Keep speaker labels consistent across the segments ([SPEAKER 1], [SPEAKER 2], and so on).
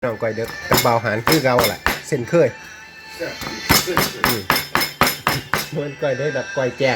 [SPEAKER 1] น้องก้อยเด็กกับเบาหารคือเก่าแหละเส้นเคยมันก้อยได้แบบก้อยแจ้ง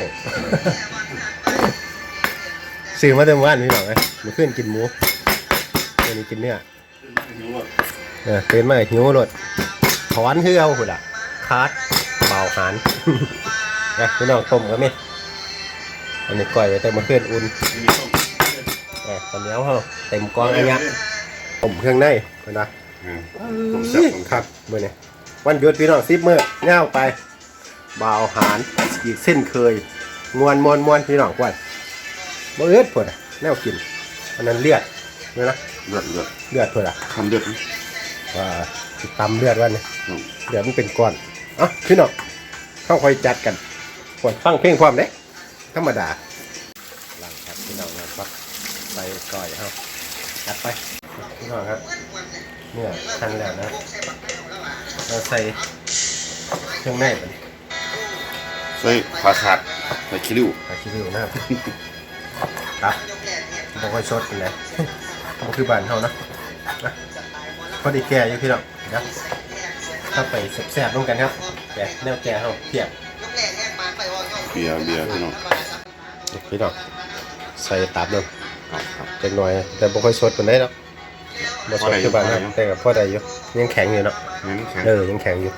[SPEAKER 1] ซื้อมาเต็มวันพี่น้องเลยมาขึ้นกินหมูวันนี้กินเนื้อตื่นมาหิวรถถอนคือเอาหุ่นอ่ะคาดเบาหารพี่น้องต้มก็มีอันนี้ก้อยไว้แต่มาขึ้นอุ่นตอนนี้เขาเต็มกองอะไรเงี้ยต้มเครื่องในนะครับเมื่อนี้วันหยุดพี่น้อง10 มื้อเง่าไปบ่าวหารอีกเส้นเคยมวนพี่น้องกวนบ่เอื้อดพอดแนวกินอันนั้นเลือดเนี่ยนะเลือดพอด
[SPEAKER 2] ทำเลือด
[SPEAKER 1] ว่าตำเลือดวันนี้เลือดมันเป็นก้อนพี่น้องเข้าคอยจัดกันควรฟังเพลงความเด้ธรรมดาหลังครับพี่น้องนะครับใส่ก้อยเข้าจัดไปพี่น้องครับเนี่ยทันแล้วนะเราใส่เครื่องในไป
[SPEAKER 2] ใส่ผักขาดใส่คิริว
[SPEAKER 1] นะครับครับบอกว่าชดกันเลยมันคือบ้านเขานะพอดีแก่อยู่พี่น้องนะถ้าไปแซ่บๆร่วมกันครับแก่แนวแก่เขาเทียบ
[SPEAKER 2] เบียร์พี่น้อง
[SPEAKER 1] ใส่ตับลงจังหน่อยแต่บ่ค่อยสดปานใดหรอกบ่สดคือบ้านนะแต่ก็พอได้อยู่ยังแข็งอยู่เนาะยังแข็งอยู่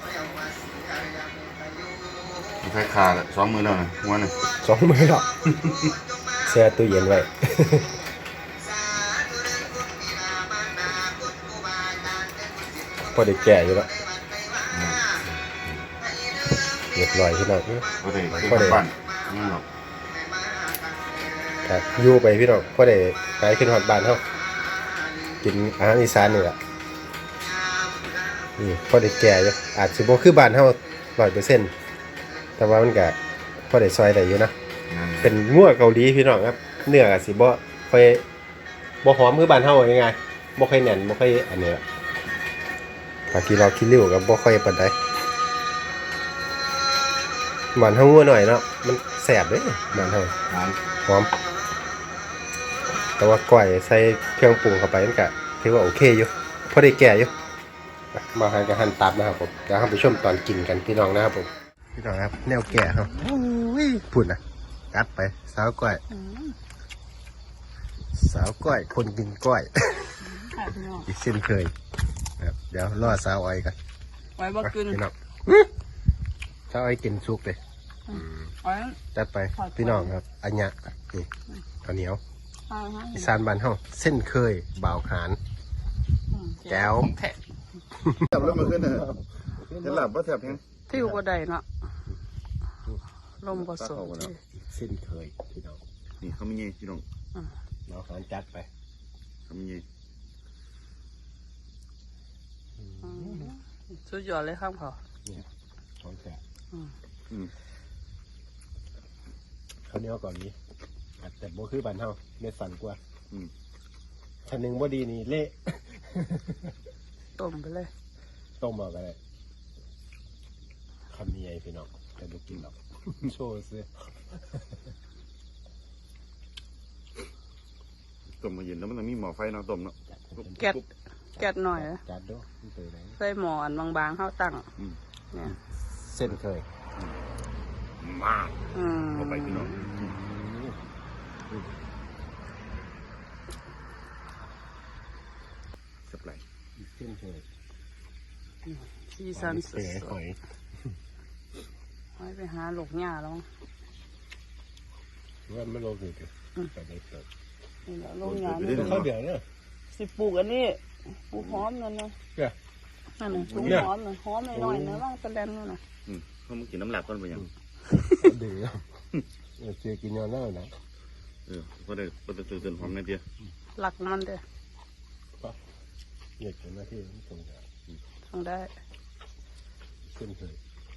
[SPEAKER 2] ใส่ขาด2 มื้อแล้วนะวันนึง
[SPEAKER 1] 2 มื้อหรอกแช่ตู้เย็นไว้พอได้แก่อยู่แล้วเรียบร้อยพี่น้อง
[SPEAKER 2] พอได้บ้านนี่หรอก
[SPEAKER 1] ครับอยู่ไปพี่น้องพอได้ไปขึ้นฮอดบ้านเฮากินอาหารอีสานนี่แหละนี่พอได้แก่อยู่อาจสิบ่คือบ้านเฮา 100% แต่ว่ามันก็พอได้ซอยได้อยู่นะเป็นงัวเกาหลีพี่น้องครับเนื้อก็สิบ่ค่อยบ่หอมคือบ้านเฮายังไงบ่ค่อยแน่นบ่ค่อยอันนี้บางทีเราคิดริ้วก็บ่ค่อยปานใดบ้านเฮางัวหน่อยเนาะมันแซ่บเด้บ้านเฮาหอมแต่ว่าก้อยใส่เครื่องปรุงเข้าไปมันก็ถือว่าโอเคอยู่พอได้แก่อยู่มาหันกับหั่นตับนะครับผมเดี๋ยวเราไปชมตอนกินกันพี่น้องนะครับผมพี่น้องครับแนวแก่ครับพูดนะกัดไปสาวก้อยคนกินก้อยอีกเส้นเคยครับเดี๋ยวรอสาวอ้อยกัน
[SPEAKER 3] ไว้บ่กิน
[SPEAKER 1] พี่น้องสาวอ้อยกินซุกเลยจัดไปพี่น้องครับอันยะนี่ข้าวเหนียวอีสานบ้านเฮาเส้นเคยบ่าวขานแก้ว
[SPEAKER 2] จับแล้วมาขึ้นนะเห็นหลับว่าแถบยัง
[SPEAKER 3] ที่อยู่บ่ได้เนาะลมบ่สด
[SPEAKER 1] เส้นเคยพี่น้อง
[SPEAKER 2] นี่เขามีเงี้ยพี่น้อง
[SPEAKER 1] เราขานจัดไป
[SPEAKER 2] เขามีเงี้ย
[SPEAKER 3] สุดยอดเลยครับเขา
[SPEAKER 1] เนี่ยของแกเขาเนี้ยก่อนนี้แต่โบคือบ้านเฮาเม็ดสันกว่าชั้นหนึ่งบ่ดีนี่เละ
[SPEAKER 3] ต้มไปเลย
[SPEAKER 1] ต้มเอาไปเลยคำนี้ไงพี่น้องแต่บุกินหรอกโชว์ซิ
[SPEAKER 2] ต้มมาเย็นแล้วมันมีหม้อไฟเนาะต้มเนาะ
[SPEAKER 3] แก๊สหน่อย
[SPEAKER 1] จัดด้วย
[SPEAKER 3] ใส่หม้อบางๆเข้าตั้งเนี่ย
[SPEAKER 1] เส้นเคย
[SPEAKER 2] มากเข้าไปพี่น้องสับไหล
[SPEAKER 1] เส้นเคย
[SPEAKER 3] ซีซันสุดๆไว้ไปหาหลกหญ้าแล้ว
[SPEAKER 1] ว่าไม่ลงเลยแต่ได้เกิด
[SPEAKER 3] นี่แหละลงหญ้า
[SPEAKER 1] เขาเดี๋ยวเนี่ย
[SPEAKER 3] สิปลูกอันนี้ปลูกหอมนั่นนะนั่นน่ะปลูกหอมน่ะหอมหน่อยๆนะว่างตะแลนนั่นน่ะ
[SPEAKER 2] เขามากินน้ำหลับก่อนไปยัง
[SPEAKER 1] เดี๋ยวเจอกินยาหน้านะ
[SPEAKER 2] ก็ได้ตื่นหอมในเดียว
[SPEAKER 3] หลักมันเด้อ
[SPEAKER 1] เหยียดกันหน้าที่ตรงนี้
[SPEAKER 3] ทำได้
[SPEAKER 1] ขึ้นเคย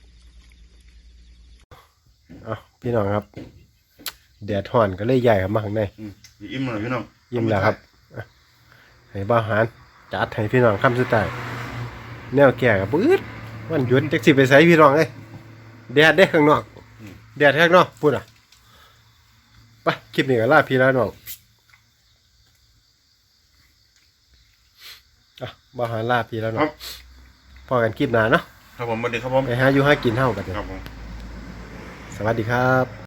[SPEAKER 1] พี่น้องครับแดดห่อนก็เลยใหญ่ครับมาข้างใน
[SPEAKER 2] อิ่มเลยพี่น้อง
[SPEAKER 1] อิ่มแล้วครับให้บ้าหารจัดให้พี่น้องคำสุดท้ายแนวแก่กับปื๊ดวันหยุดจักสิไปใส่พี่น้องเลยแดดได้ข้างนอกแดดข้างนอกพูดไปคลิปนี้ก็ลาพี่แล้วน้องบ่หาลาพี่แล้วเนาะพอกันคลิปหน้าเนาะ
[SPEAKER 2] ครับผมสวัสดีครับผม
[SPEAKER 1] ไปหาอยู่หากินเฮาบัดนี้
[SPEAKER 2] ครับผม
[SPEAKER 1] สวัสดีครับ